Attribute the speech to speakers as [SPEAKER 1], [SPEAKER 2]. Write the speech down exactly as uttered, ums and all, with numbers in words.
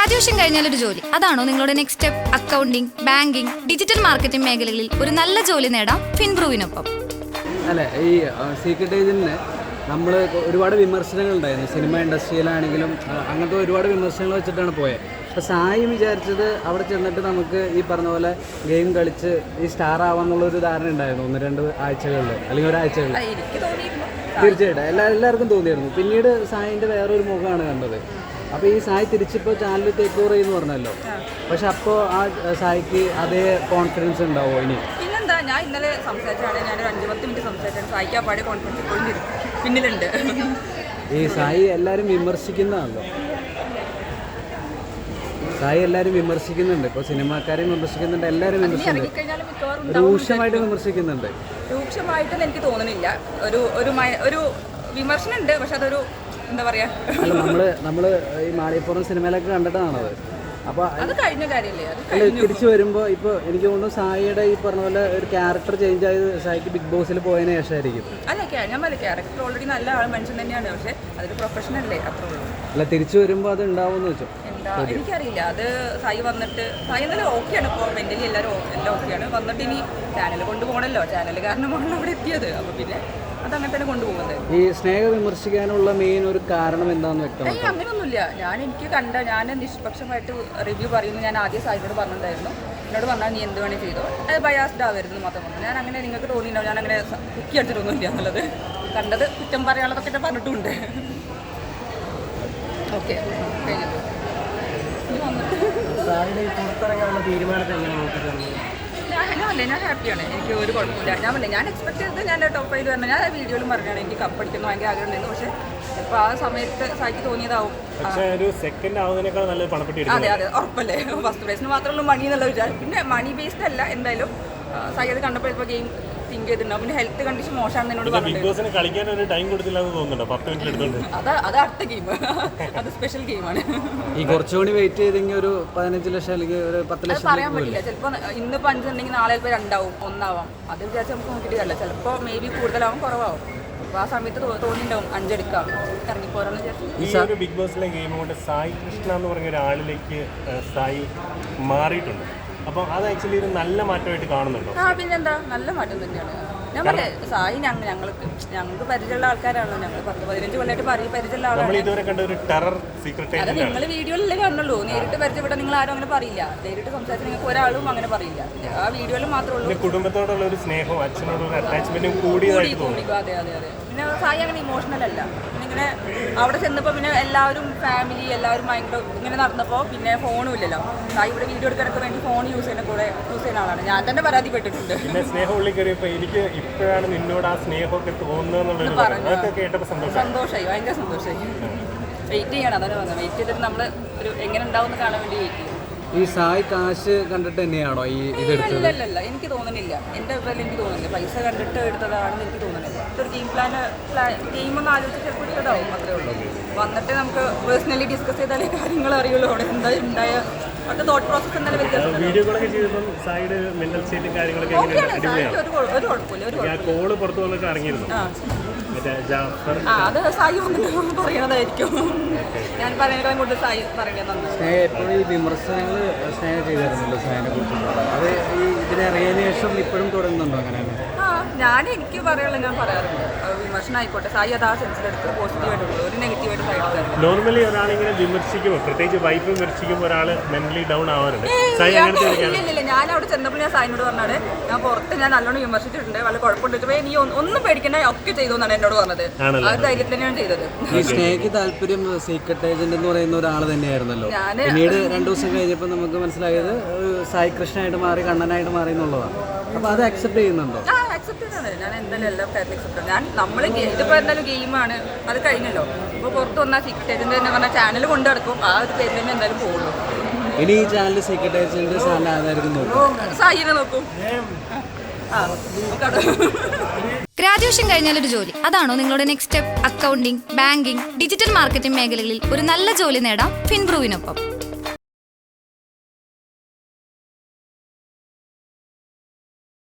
[SPEAKER 1] Graduation കഴിഞ്ഞാൽ ഒരു ജോലി, അതാണോ നിങ്ങളുടെ next step? Accounting, banking, digital marketing മേഖലകളിൽ ഒരു നല്ല ജോലി നേടാം ഫിൻബ്രൂവിനൊപ്പം.
[SPEAKER 2] അല്ലെ, ഈ സീക്രട്ട് ഏജന്റിന് നമ്മൾ ഒരുപാട് വിമർശനങ്ങൾ ഉണ്ടായിരുന്നു. സിനിമ ഇൻഡസ്ട്രിയിലാണെങ്കിലും അങ്ങനത്തെ ഒരുപാട് വിമർശനങ്ങൾ വെച്ചിട്ടാണ് പോയത്. അപ്പോൾ സായി വിചാരിച്ചത് അവിടെ ചെന്നിട്ട് നമുക്ക് ഈ പറഞ്ഞ പോലെ ഗെയിം കളിച്ച് ഈ സ്റ്റാർ ആവാന്നുള്ളൊരു ധാരണ ഉണ്ടായിരുന്നു ഒന്ന് രണ്ട് ആഴ്ചകളിൽ അല്ലെങ്കിൽ ഒരാഴ്ചകളിൽ. തീർച്ചയായിട്ടും എല്ലാ എല്ലാവർക്കും തോന്നിയിരുന്നു. പിന്നീട് സായിൻ്റെ വേറൊരു മുഖമാണ് കണ്ടത്. അപ്പോൾ ഈ സായി തിരിച്ചിപ്പോൾ ചാനൽ ടേക്ക് ഓവർ ചെയ്യുന്നു പറഞ്ഞല്ലോ, പക്ഷെ അപ്പോൾ ആ സായിക്ക് അതേ കോൺഫിഡൻസ് ഉണ്ടാവുമോ ഇനി?
[SPEAKER 3] പിന്നെന്താ, ഞാൻ ഇന്നലെ സംസാരിച്ചാണ്, ഞാൻ ഒരു അഞ്ച് പത്ത് മിനിറ്റ് സംസാരിച്ചാണ്. സായിക്ക് ആ പാടെ കോൺഫിഡൻസ് ഇപ്പോഴും പിന്നിലുണ്ട്.
[SPEAKER 2] ഈ സായി എല്ലാവരും വിമർശിക്കുന്നതാണല്ലോ, സായി എല്ലാവരും വിമർശിക്കുന്നുണ്ട്. ഇപ്പോൾ സിനിമാക്കാരെയും വിമർശിക്കുന്നുണ്ട്, എല്ലാവരും വിമർശിക്കുന്നുണ്ട്, രൂക്ഷമായിട്ട് വിമർശിക്കുന്നുണ്ട്.
[SPEAKER 3] രൂക്ഷമായിട്ടൊന്നും എനിക്ക് തോന്നുന്നില്ല. ഒരു ഒരു ഒരു വിമർശനം ഉണ്ട്, പക്ഷെ അതൊരു എന്താ പറയാ,
[SPEAKER 2] അല്ല നമ്മള് നമ്മള് ഈ മാളികപ്പുറം സിനിമയിലൊക്കെ കണ്ടിട്ടാണത്. അപ്പോൾ
[SPEAKER 3] അത് കഴിഞ്ഞ കാര്യമല്ലേ.
[SPEAKER 2] അല്ല, തിരിച്ചു വരുമ്പോൾ ഇപ്പോൾ എനിക്ക് തോന്നുന്നു സായിയുടെ ഈ പറഞ്ഞ പോലെ ഒരു ക്യാരക്ടർ ചേഞ്ച് ആയത് സായിക്ക് ബിഗ് ബോസിൽ പോയതിന് ശേഷമായിരിക്കും.
[SPEAKER 3] അല്ല, ഞാൻ പറയും ക്യാരക്ടർ ഓൾറെഡി നല്ല ആൾ മനുഷ്യൻ തന്നെയാണ്, പക്ഷെ അതൊരു പ്രൊഫഷനല്ലേ, അത്രേ ഉള്ളൂ.
[SPEAKER 2] അല്ല, തിരിച്ചു വരുമ്പോൾ അത് ഉണ്ടാവുമെന്ന് വെച്ചോ?
[SPEAKER 3] എന്താ എനിക്കറിയില്ല. അത് സായി വന്നിട്ട് സായി എന്നാലും ഓക്കെയാണ്, ഇപ്പോൾ മെന്റലി എല്ലാവരും എല്ലാം ഓക്കെയാണ്. വന്നിട്ട് ഇനി ചാനൽ കൊണ്ടുപോകണമല്ലോ, ചാനൽ കാരണമാണ് അവിടെ എത്തിയത്. അപ്പോൾ പിന്നെ അതങ്ങനെ തന്നെ കൊണ്ടുപോകുന്നത്.
[SPEAKER 2] ഈ സ്നേഹ വിമർശിക്കാനുള്ള മെയിൻ ഒരു കാരണം എന്താണെന്ന് വ്യക്തമാണ്.
[SPEAKER 3] ഏയ് അങ്ങനെയൊന്നുമില്ല. ഞാൻ എനിക്ക് കണ്ട ഞാൻ നിഷ്പക്ഷമായിട്ട് റിവ്യൂ പറയുന്നു. ഞാൻ ആദ്യം സായിനോട് പറഞ്ഞിട്ടുണ്ടായിരുന്നു, എന്നോട് പറഞ്ഞാൽ നീ എന്ത് വേണേൽ ചെയ്തോ, അത് ബയാസ്ഡ് ആവരുത് മാത്രം പറഞ്ഞു. ഞാൻ അങ്ങനെ നിങ്ങൾക്ക് തോന്നിയിട്ടുണ്ടാവും ഞാൻ അങ്ങനെ കുക്കി അടിച്ചിട്ടൊന്നുമില്ല എന്നുള്ളത്. കണ്ടത് കുറ്റം പറയാനുള്ളതൊക്കെ ഞാൻ പറഞ്ഞിട്ടുമുണ്ട്. ഓക്കെ, കഴിഞ്ഞിട്ട് ഞാനല്ലേ ഞാൻ ഹാപ്പിയാണ്, എനിക്ക് ഒരു കുഴപ്പമില്ല. ഞാൻ പറഞ്ഞില്ല, ഞാൻ എക്സ്പെക്ട് ചെയ്തത് ഞാൻ ടോപ്പ് ഫൈവ് വരണം. ഞാൻ വീഡിയോയിലും പറഞ്ഞാണ് എനിക്ക് കപ്പ് അടിക്കുന്ന ഭയങ്കര ആഗ്രഹം ഉണ്ടായിരുന്നു. പക്ഷേ ഇപ്പോൾ ആ സമയത്ത് സായിക്ക് തോന്നിയതാവും. അതെ അതെ ഉറപ്പല്ലേ, ഫസ്റ്റ് പ്രൈസിന് മാത്രമേ മണി എന്നുള്ള വിചാരം. പിന്നെ മണി ബേസ്ഡ് അല്ല, എന്തായാലും സായി അത് കണ്ടപ്പോൾ ഇപ്പോൾ ഗെയിം തിങ്ക് ചെയ്തിട്ടുണ്ടാവും. പിന്നെ ഹെൽത്ത് കണ്ടീഷൻ മോശമാണെന്ന് എന്നോട് പറഞ്ഞിട്ടുണ്ട്. അത് അത് അടുത്ത ഗെയിം, അത് സ്പെഷ്യൽ ഗെയിമാണ്.
[SPEAKER 2] ഈ കുറച്ചുകൂടി വെയിറ്റ് ചെയ്തെങ്കിൽ ഒരു പതിനഞ്ച് ലക്ഷം അല്ലെങ്കിൽ ഒരു പത്ത് ലക്ഷം
[SPEAKER 3] പറയാൻ പറ്റില്ല. ചിലപ്പോൾ ഇന്നിപ്പോൾ അഞ്ചുണ്ടെങ്കിൽ നാളെ ചിലപ്പോൾ രണ്ടാവും ഒന്നാവാം. അത് വിചാരിച്ച് നമുക്ക് നോക്കിയിട്ട് കാര്യമില്ല. ചിലപ്പോൾ മേ ബി കൂടുതലാവും കുറവാകും. അപ്പോൾ ആ സമയത്ത് തോന്നിയിട്ടുണ്ടാവും അഞ്ചെടുക്കാം ഇറങ്ങിപ്പോരാന്ന് വിചാരിച്ചു.
[SPEAKER 4] ബിഗ് ബോസിലെ ഗെയിം കൊണ്ട് സായി കൃഷ്ണ എന്ന് പറഞ്ഞ ഒരാളിലേക്ക് സായി മാറിയിട്ടുണ്ട്. അപ്പോൾ അത് ആക്ച്വലി ഒരു നല്ല മാറ്റമായിട്ട് കാണുന്നുണ്ടോ?
[SPEAKER 3] ആ പിന്നെന്താ, നല്ല മാറ്റം തന്നെയാണ്. ഞാൻ പറഞ്ഞേ സായി ഞങ്ങൾ ഞങ്ങൾക്ക് ഞങ്ങൾക്ക് പരിചയമുള്ള ആൾക്കാരാണല്ലോ. ഞങ്ങൾ പത്ത് പതിനഞ്ച് കൊല്ലമായിട്ട് പറയും പരിചയമുള്ള ആളാണ്.
[SPEAKER 4] ഇതുവരെ കണ്ട ഒരു ടെറർ സീക്രട്ട്
[SPEAKER 3] അത് നിങ്ങൾ വീഡിയോയിലല്ലേ കാണുള്ളൂ. നേരിട്ട് പരിചയപ്പെട്ട നിങ്ങൾ ആരും അങ്ങനെ പറയില്ല. നേരിട്ട് സംസാരിച്ച് നിങ്ങൾക്ക് ഒരാളും അങ്ങനെ പറയില്ല. ആ വീഡിയോയിൽ മാത്രമേ ഉള്ളൂ.
[SPEAKER 4] കുടുംബത്തോടുള്ള ഒരു സ്നേഹവും അച്ഛനോടുള്ള അറ്റാച്ച്മെന്റും കൂടിയതായിട്ട് തോന്നുന്നു.
[SPEAKER 3] അതെ അതെ അതെ. പിന്നെ സായി അങ്ങനെ ഇമോഷണൽ അല്ല. പിന്നെ ഇങ്ങനെ അവിടെ ചെന്നപ്പോൾ പിന്നെ എല്ലാവരും ഫാമിലി എല്ലാവരും ഭയങ്കര ഇങ്ങനെ നടന്നപ്പോൾ പിന്നെ ഫോണും ഇല്ലല്ലോ. സായി ഇവിടെ വീഡിയോ എടുക്കാനൊക്കെ വേണ്ടി ഫോൺ യൂസ് ചെയ്യുന്ന കൂടെ യൂസ് ചെയ്യുന്ന ആളാണ്. ഞാൻ തന്നെ പരാതിപ്പെട്ടിട്ടുണ്ട്.
[SPEAKER 4] പിന്നെ സ്നേഹം ഉള്ളിൽ കയറിയപ്പോൾ എനിക്ക് ഇപ്പോഴാണ് നിന്നോട് ആ സ്നേഹമൊക്കെ തോന്നുന്നത്
[SPEAKER 3] സന്തോഷമായി, ഭയങ്കര സന്തോഷമായി. വെയിറ്റ് ചെയ്യണം, അതാണ് പറഞ്ഞത്. വെയിറ്റ് ചെയ്തിട്ട് നമ്മൾ ഒരു എങ്ങനെ ഉണ്ടാവും കാണാൻ വേണ്ടി വെയിറ്റ് ചെയ്യും.
[SPEAKER 2] ഈ സായി കാശ് കണ്ടിട്ട് തന്നെയാണോ ഈ ഇതെടുത്തത്?
[SPEAKER 3] ഇല്ലല്ല, എനിക്ക് തോന്നുന്നില്ല. എൻ്റെ അഭിപ്രായം എനിക്ക് തോന്നുന്നില്ല പൈസ കണ്ടിട്ട് എടുത്തതാണെന്ന് എനിക്ക് തോന്നുന്നില്ല. ഇതൊരു ഗെയിം പ്ലാൻ ഗെയിം ഒന്ന് ആലോചിച്ച് ചിലപ്പോൾ എടുത്തതാവും, അത്രേ ഉള്ളൂ. വന്നിട്ട് നമുക്ക് പേഴ്സണലി ഡിസ്കസ് ചെയ്താലേ കാര്യങ്ങൾ അറിയുള്ളൂ അവിടെ എന്താ ഉണ്ടായ അത് തോട്ട് പ്രോസസ് എന്തായാലും വ്യത്യാസം.
[SPEAKER 4] വീഡിയോകളൊക്കെ ചെയ്തപ്പോൾ സായിയുടെ മെന്റൽ സ്റ്റേറ്റും കാര്യങ്ങളൊക്കെ
[SPEAKER 3] ഒരു കുഴപ്പമില്ല. ഒരു
[SPEAKER 4] കോള് പുറത്തു വന്നൊക്കെ ഇറങ്ങിയിരുന്നു.
[SPEAKER 3] ആ അത് സായി വന്നിട്ട് പറയണതായിരിക്കും. ഞാൻ പറയുന്നതിനേക്കാളും കൂടുതൽ സായി പറയണതാണ്.
[SPEAKER 2] സ്നേഹ എപ്പോഴും ഈ വിമർശനങ്ങൾ സ്നേഹ ചെയ്തിരുന്നല്ലോ സായിനെ കുറിച്ചുള്ള. അത് ഈ ഇതിനെ അറിയതിനു ശേഷം ഇപ്പോഴും തുടരുന്നുണ്ടോ അങ്ങനെ?
[SPEAKER 3] ആ ഞാൻ എനിക്ക് പറയാനുള്ള ഞാൻ പറയാറുണ്ട്. വിമർശനം ആയിക്കോട്ടെ, സായി അത് ആ സെൻസിലെടുത്ത് പോസിറ്റീവായിട്ടുള്ളൂ, ഒരു നെഗറ്റീവായിട്ട് സായി എടുക്കാറില്ല.
[SPEAKER 4] നോർമലി ഒരാളിങ്ങനെ വിമർശിക്കുമ്പോൾ, പ്രത്യേകിച്ച് വൈഫ് വിമർശിക്കുമ്പോൾ ഒരാൾ മെന്റലി ഡൗൺ ആവാറുണ്ട്.
[SPEAKER 3] ഇല്ല, ഞാൻ അവിടെ ചെന്നപ്പോൾ ഞാൻ സായിനോട് പറഞ്ഞാണ്, ഞാൻ പുറത്ത് ഞാൻ നല്ലോണം വിമർശിച്ചിട്ടുണ്ട്, വല്ല കുഴപ്പമുണ്ട്, നീ ഒന്നും പേടിക്കണ്ട, ഒക്കെ ചെയ്തു എന്നാണ് എന്നോട് പറഞ്ഞത്. ആ ഒരു ധൈര്യത്തിൽ തന്നെയാണ് ചെയ്തത്.
[SPEAKER 2] ഈ സ്നേഹയ്ക്ക് താല്പര്യം സീക്രട്ട് ഏജന്റ് എന്ന് പറയുന്ന ഒരാൾ തന്നെയായിരുന്നല്ലോ. പിന്നീട് രണ്ടു ദിവസം കഴിഞ്ഞപ്പോൾ നമുക്ക് മനസ്സിലായത് സായി കൃഷ്ണനായിട്ട് മാറി, കണ്ണനായിട്ട് മാറി എന്നുള്ളതാണ്. അപ്പോൾ അത് അക്സെപ്റ്റ് ചെയ്യുന്നുണ്ടോ?
[SPEAKER 3] ആ അക്സെപ്റ്റ് ചെയ്യുന്നത് ഞാൻ എന്തായാലും എല്ലാ കാര്യത്തിലും അക്സെപ്റ്റ്. ഞാൻ നമ്മൾ ഇതിപ്പോൾ എന്തായാലും ഗെയിമാണ്, അത് കഴിഞ്ഞല്ലോ. ഇപ്പോൾ പുറത്ത് വന്നാൽ സീക്രട്ട് ഏജന്റ് തന്നെ പറഞ്ഞാൽ ചാനൽ കൊണ്ടു നടക്കും, ആ ഒരു പേര് തന്നെ എന്തായാലും പോകുള്ളൂ.
[SPEAKER 2] ഇനി ഈ ചാനൽ സീക്രട്ട് ഏജന്റ് ചാനൽ ആരായിരിക്കും നോക്കും?
[SPEAKER 3] സായിനെ നോക്കും.
[SPEAKER 1] ഗ്രാജുവേഷൻ കഴിഞ്ഞാൽ ഒരു ജോലി, അതാണോ നിങ്ങളുടെ next step? Accounting, banking, digital marketing മേഖലകളിൽ ഒരു നല്ല ജോലി നേടാം ഫിൻബ്രൂവിനൊപ്പം.